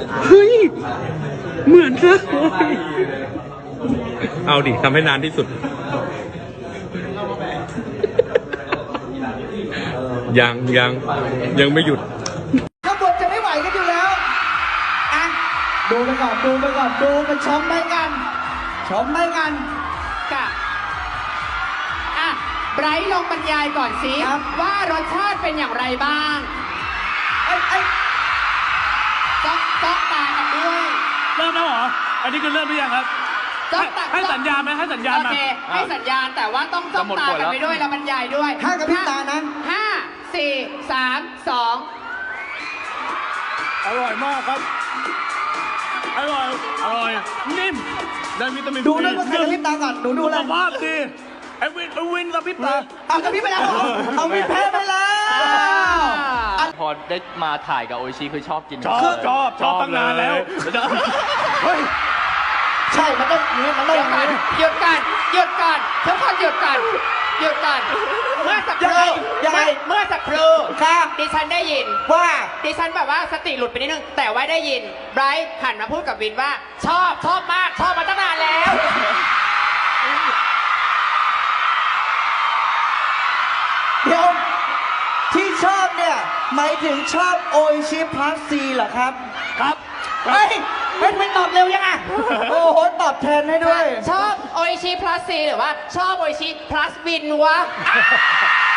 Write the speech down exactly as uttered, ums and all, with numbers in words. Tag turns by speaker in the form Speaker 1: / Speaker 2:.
Speaker 1: เฮ้ยเหมือนซะเอาดิทำให้นานที่สุดยังยังยังไม่หยุด
Speaker 2: ข้างบนจะไม่ไหวกันอยู่แล้วอ่ะดูไปก่อนดูไปก่อนดูไปชมไปกันชมไปกัน
Speaker 3: กะอ่ะไบรท์ลองบรรยายก่อนสิว่ารสชาติเป็นอย่างไรบ้าง
Speaker 2: ไอ้ไอ้
Speaker 3: จ้องจ้องตากันด้วย
Speaker 4: เริ่มแล้วเหรออันนี้คือเริ่มหรือยังครับให้สัญญาณไหมให้สัญญาณ
Speaker 3: โอ
Speaker 4: มา
Speaker 3: เคให้สัญญาณแต่ว่าต้องจ้องตากันไปด้วยแล้วบรรยายด้วย
Speaker 2: ห้ากับพี่ตานะ
Speaker 3: ห้าสี่สามสอง
Speaker 4: อร่อยมากครับอร่อยอร่อยนิ่มได้วิตามิน
Speaker 2: ดูด้วยว่าใครกับพี่ตาก่อนหนูดูเลย
Speaker 4: สุขภาพดีไอ้วินไอ้วินกับพี่ตา
Speaker 2: เอากับพี่ไปแล้วเอาวินแพ้ไปแล้ว
Speaker 5: พอได้มาถ่ายกับโออิชิคือชอบกิน
Speaker 4: ชอบชอบชอบตั้งนานแล้วเฮ้ย
Speaker 2: ใช่มันต้องนี้มันต้องอย่างนี้
Speaker 3: หยุดกันหยุดกันทุกคนหยุดกันหยุดกันเมื่อสักครู่เมื่อสักครู่
Speaker 2: ครับ
Speaker 3: ดิฉันได้ยิน
Speaker 2: ว่า
Speaker 3: ดิฉันแบบว่าสติหลุดไปนิดนึงแต่ว่าได้ยินไบรท์หันมาพูดกับวินว่าชอบชอบมากชอบมาตั้งนานแล้ว
Speaker 2: เดี๋ยวที่ชอบเนี่ยหมายถึงชอบโออิชิพลัสซีเหรอครับ
Speaker 4: ครับ
Speaker 2: เฮ้ยเฮ้ยไม่ตอบเร็วยังอ่ะโอ้โหตอบแทนให้ด้วย
Speaker 3: ชอบโออิชิพลัสซีหรือว่าชอบโออิชิพลัสวินวะ